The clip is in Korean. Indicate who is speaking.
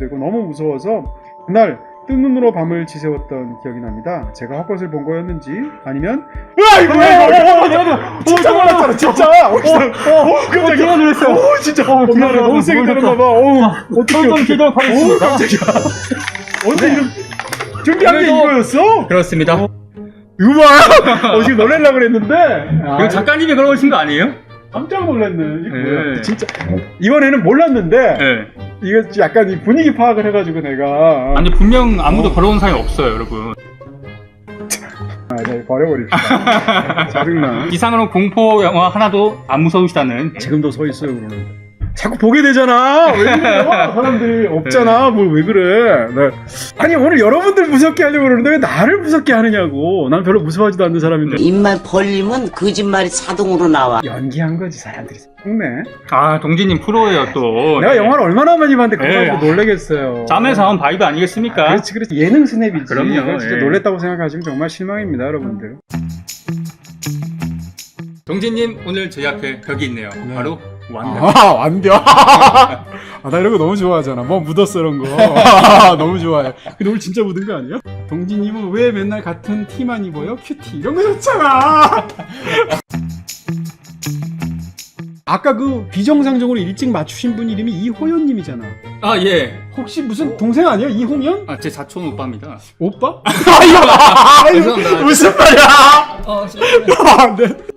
Speaker 1: 되고 너무 무서워서 그날 뜬 눈으로 밤을 지새웠던 기억이 납니다. 제가 헛것을 본 거였는지 아니면 이거 진짜 놀랐잖아 진짜. 깜짝이야.
Speaker 2: 놀랐어요.
Speaker 1: 진짜 미안해 너무 세게 때렸나봐. 어떻게 깜짝이야. 언제 이런 준비한 게 이거였어?
Speaker 2: 그렇습니다.
Speaker 1: 이거 봐. 지금 놀래려고 그랬는데
Speaker 2: 이거 작가님이 그러신 거 아니에요?
Speaker 1: 깜짝 놀랐네. 이거 뭐야.
Speaker 2: 네.
Speaker 1: 진짜 이번에는 몰랐는데
Speaker 2: 네.
Speaker 1: 이거 약간 이 분위기 파악을 해가지고 내가
Speaker 2: 아니 분명 아무도 걸어온 사람이 없어요, 여러분.
Speaker 1: 네, 버려버립시다. 짜증나.
Speaker 2: 이상으로 공포 영화 하나도 안 무서우시다는.
Speaker 1: 지금도 서 있어요 그러는데. 자꾸 보게 되잖아. 왜 그래요? 사람들이 없잖아. 뭘 왜 그래? 네. 아니 오늘 여러분들 무섭게 하려고 그러는데 왜 나를 무섭게 하느냐고. 난 별로 무서워하지도 않는 사람인데.
Speaker 3: 입만 벌리면 거짓말이 자동으로 나와.
Speaker 1: 연기한 거지 사람들이. 속네.
Speaker 2: 아, 동진님 프로예요 또.
Speaker 1: 내가 영화를 얼마나 많이 봤는데 그거
Speaker 2: 네.
Speaker 1: 가지고 놀래겠어요.
Speaker 2: 짬에서 한 바이브 아니겠습니까?
Speaker 1: 그렇지 그렇지. 예능 스냅이지.
Speaker 2: 그럼요,
Speaker 1: 이거 진짜
Speaker 2: 예.
Speaker 1: 놀랬다고 생각하시면 정말 실망입니다 여러분들.
Speaker 2: 동진님 오늘 저희 앞에 벽이 있네요.
Speaker 1: 네.
Speaker 2: 바로 완벽.
Speaker 1: 완벽. 나 이런 거 너무 좋아하잖아. 뭐 묻었어 이런 거. 너무 좋아해. 근데 오늘 진짜 묻은 거 아니야? 동진님은 왜 맨날 같은 티만 입어요? 큐티 이런 거 좋잖아. 아까 그 비정상적으로 일찍 맞추신 분 이름이 이호연님이잖아.
Speaker 2: 아 예.
Speaker 1: 혹시 무슨 동생 아니야? 이홍연?
Speaker 2: 아, 제 사촌 오빠입니다.
Speaker 1: 오빠?
Speaker 2: 죄송합니다.
Speaker 1: 무슨 말이야?
Speaker 2: 어,
Speaker 1: 네.